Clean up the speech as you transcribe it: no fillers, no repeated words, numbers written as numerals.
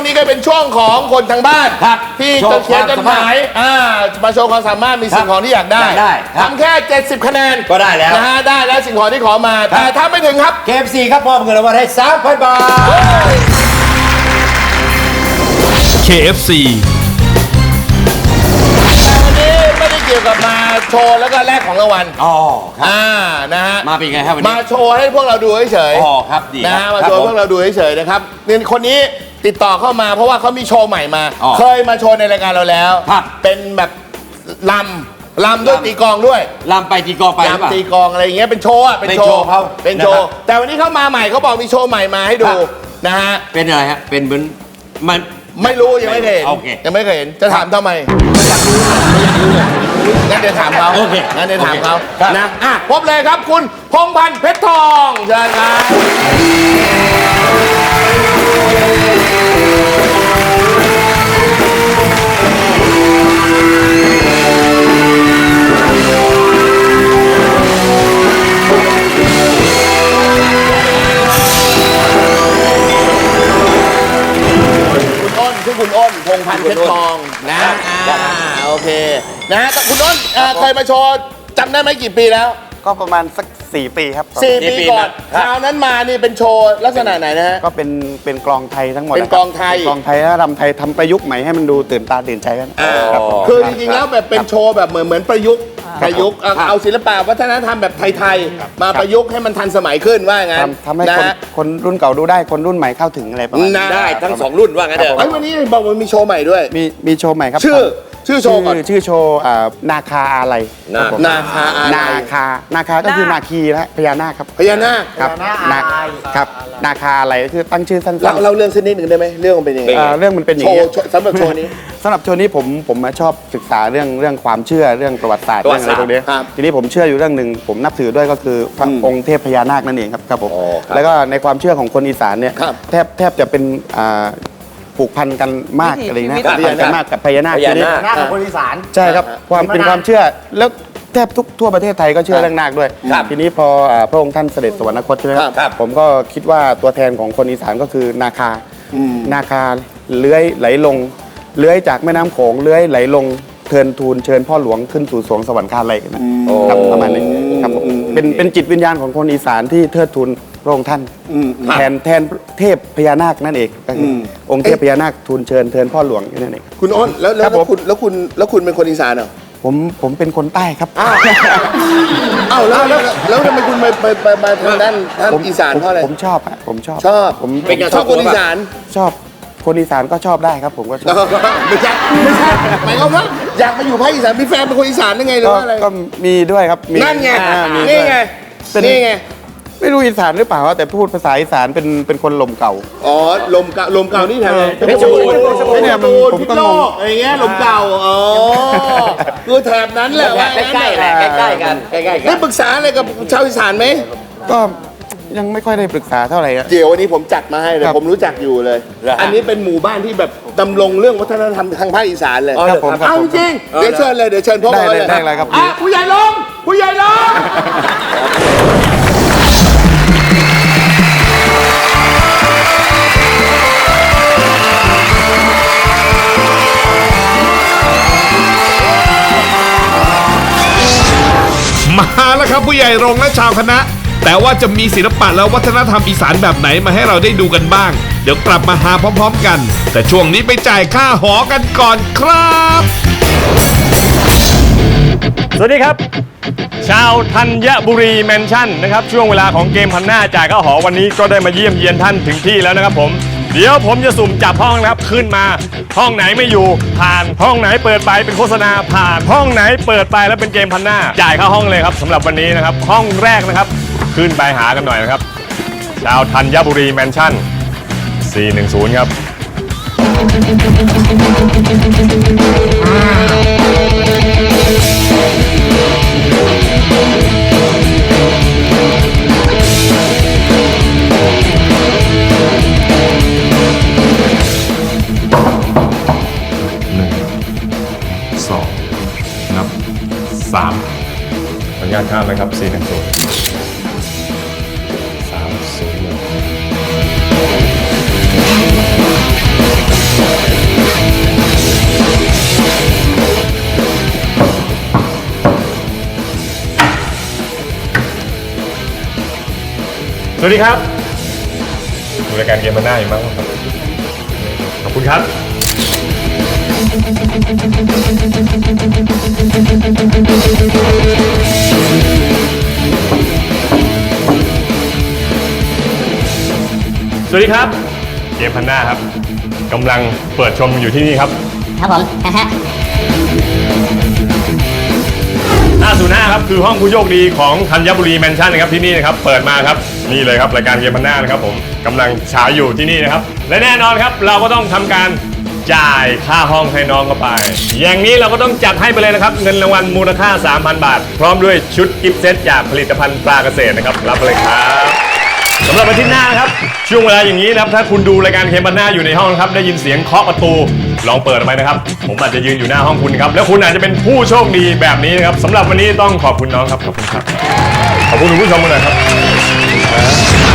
นี้ก็เป็นช่วงของคนทางบ้านที่จะเขียนจดหมายมาโชว์ความสามารถมีสิ่งของที่อยากได้ทำแค่70คะแนนก็ได้แล้วนะฮะได้แล้วสิ่งของที่ขอมาแต่ถ้าไม่ถึงครับ KFC ครับมอบเงินรางวัลให้ 3,000 บาท KFC วันนี้ไม่ได้เกี่ยวกับมาโชว์แล้วก็แลกของรางวัลครับนะฮะมาเป็นไงครับวันนี้มาโชว์ให้พวกเราดูเฉยๆครับดีนะฮะมาโชว์พวกเราดูเฉยๆนะครับนี่คนนี้ติดต่อเข้ามาเพราะว่าเขามีโชว์ใหม่มาเคยมาโชว์ในรายการเราแล้วเป็นแบบลำด้วยตีกลองด้วยลำไปตีกลองไปลำตีกลองอะไรอย่างเงี้ยเป็นโชว์เป็นโชว์เขาเป็นโชว์แต่วันนี้เขามาใหม่เขาบอกมีโชว์ใหม่มาให้ดูนะฮะเป็นอะไรฮะเป็นเหมือนมันไม่รู้ยังไม่เคยเห็นยังไม่เคยเห็นจะถามทำไมงั้นเดี๋ยวถามเขางั้นเดี๋ยวถามเขานะพบเลยครับคุณพงษ์พันธ์เพชรทองเชิญครับคุณอ้นพงษ์พันธ์เพชรทองนะโอเคนะคุณอ้นเคยมาโชว์จำได้ไหมกี่ปีแล้วก็ประมาณสัก4 ปีครับ 4 ปีก่อนคราวนั้นมานี่เป็นโชว์ลักษณะไหนนะฮะก็เป็นกลองไทยทั้งหมดเป็นกลองไทยและรำไทยทำประยุกต์ใหม่ให้มันดูตื่นตาตื่นใจกันคือจริงๆแล้วแบบเป็นโชว์แบบเหมือนประยุกต์เอาศิลปะวัฒนธรรมแบบไทยๆมาประยุกต์ให้มันทันสมัยขึ้นว่างั้นทำให้คนรุ่นเก่าดูได้คนรุ่นใหม่เข้าถึงอะไรประมาณนั้นได้ทั้ง2รุ่นว่างั้นเถอะวันนี้บอกว่ามีโชว์ใหม่ด้วยมีโชว์ใหม่ครับชื่อโชว์ก่อนชื่อโชว์นาคาอะไรนาคาก็คือนาคีและพญานาคครับพญานาคครับนาคาอะไรคือตั้งชื่อสั้นๆเราเรื่องสักนิดหนึ่งได้ไหมเรื่องมันเป็นยังไงเรื่องมันเป็นอย่างนี้สำหรับโชว์นี้ผมมาชอบศึกษาเรื่องความเชื่อเรื่องประวัติศาสตร์เรื่องอะไรตรงนี้ทีนี้ผมเชื่ออยู่เรื่องหนึ่งผมนับถือด้วยก็คือพระองค์เทพพญานาคนั่นเองครับผมแล้วก็ในความเชื่อของคนอีสานเนี่ยแทบจะเป็นผูกพันกันมากอะไรนะผูกพันกันมากกับพญานาคของคนอีสานใช่ครับเป็นความเชื่อแล้วแทบทั่วประเทศไทยก็เชื่อเรื่องนาคด้วยทีนี้พอพระองค์ท่านเสด็จสวรรคตใช่ไหมครับผมก็คิดว่าตัวแทนของคนอีสานก็คือนาคาเลื้อยไหลลงเลื้อยจากแม่น้ำโขงเลื้อยไหลลงเทินทูลเชิญพ่อหลวงขึ้นสู่สวงสวรรคาลัยนะครับประมาณนี้ครับเป็นจิตวิญญาณของคนอีสานที่เทิดทูลพระองค์ท่านแทนเทพพญานาคนั่นเองก็คือองค์เทพพญานาคทูลเชิญเทินพ่อหลวงนั่นเองคุณอ้นแล้วคุณเป็นคนอีสานเหรอผมเป็นคนใต้ครับแล้วทำไมคุณมาทางด้านอีสานเพราะอะไรผมชอบผมชอบคนอีสานชอบคนอีสานก็ชอบได้ครับผมก็ชอบไม่ใช่หมายความว่าอยากมาอยู่ภาคอีสานมีแฟนเป็นคนอีสานได้ไงหรือว่าอะไรก็มีด้วยครับนั่นไงนี่ไงไม่รู้อีสานหรือเปล่าแต่พูดภาษาอีสานเป็นคนลมเก่าลมเก่านี่แถวเพชรบูรณ์พิษณุโลกอะไรเงี้ยลมเก่าคือแถบนั้นแหละใกล้กันได้ปรึกษาอะไรกับชาวอีสานไหมก็ยังไม่ค่อยได้ปรึกษาเท่าไหร่เดี๋ยววันนี้ผมจัดมาให้เลยผมรู้จักอยู่เลยอันนี้เป็นหมู่บ้านที่แบบดำรงเรื่องวัฒนธรรมทางภาคอีสานเลยเอาจริงเดี๋ยวเชิญเลยเดี๋ยวเชิญพ่อมาเลยได้ครับผู้ใหญ่ลงมาแล้วครับผู้ใหญ่โรงและชาวคณะแต่ว่าจะมีศิลปะและวัฒนธรรมอีสานแบบไหนมาให้เราได้ดูกันบ้างเดี๋ยวกลับมาหาพร้อมๆกันแต่ช่วงนี้ไปจ่ายค่าหอกันก่อนครับสวัสดีครับชาวธัญบุรีแมนชั่นนะครับช่วงเวลาของเกมพันหน้าจ่ายค่าหอวันนี้ก็ได้มาเยี่ยมเยียนท่านถึงที่แล้วนะครับผมเดี๋ยวผมจะสุ่มจับห้องนะครับขึ้นมาห้องไหนไม่อยู่ผ่านห้องไหนเปิดไปเป็นโฆษณาผ่านห้องไหนเปิดไปแล้วเป็นเกมพันหน้าจ่ายค่าห้องเลยครับสำหรับวันนี้นะครับห้องแรกนะครับขึ้นไปหากันหน่อยนะครับชาวธัญบุรีแมนชั่น410ครับนับ3ขออนุญาตข้ามนะครับ410 301 สวัสดีครับดูรายการเกมมันหน้าอยู่มั้งครับขอบคุณครับสวัสดีครับเกมพันหน้าครับกำลังเปิดชมอยู่ที่นี่ครับครับผมฮะ 505ครับคือห้องผู้โชคดีของธัญบุรีแมนชั่นนะครับที่นี่นะครับเปิดมาครับนี่เลยครับรายการเกมพันหน้านะครับผมกำลังฉายอยู่ที่นี่นะครับและแน่นอนครับเราก็ต้องทำการจ่ายค่าห้องให้น้องเข้าไปอย่างนี้เราก็ต้องจัดให้ไปเลยนะครับเงินรางวัลมูลค่า 3,000 บาท พร้อมด้วยชุดกิฟต์เซตจากผลิตภัณฑ์ปลาเกษตรนะครับรับไปเลยครับสำหรับอาทิตย์หน้านะครับช่วงเวลาอย่างนี้นะครับถ้าคุณดูรายการเกมพันหน้าอยู่ในห้องครับได้ยินเสียงเคาะประตูลองเปิดออกไปนะครับผมอาจจะยืนอยู่หน้าห้องคุณครับแล้วคุณอาจจะเป็นผู้โชคดีแบบนี้นะครับสำหรับวันนี้ต้องขอบคุณน้องครับขอบคุณครับขอบคุณผู้ชมกันหน่อยครับ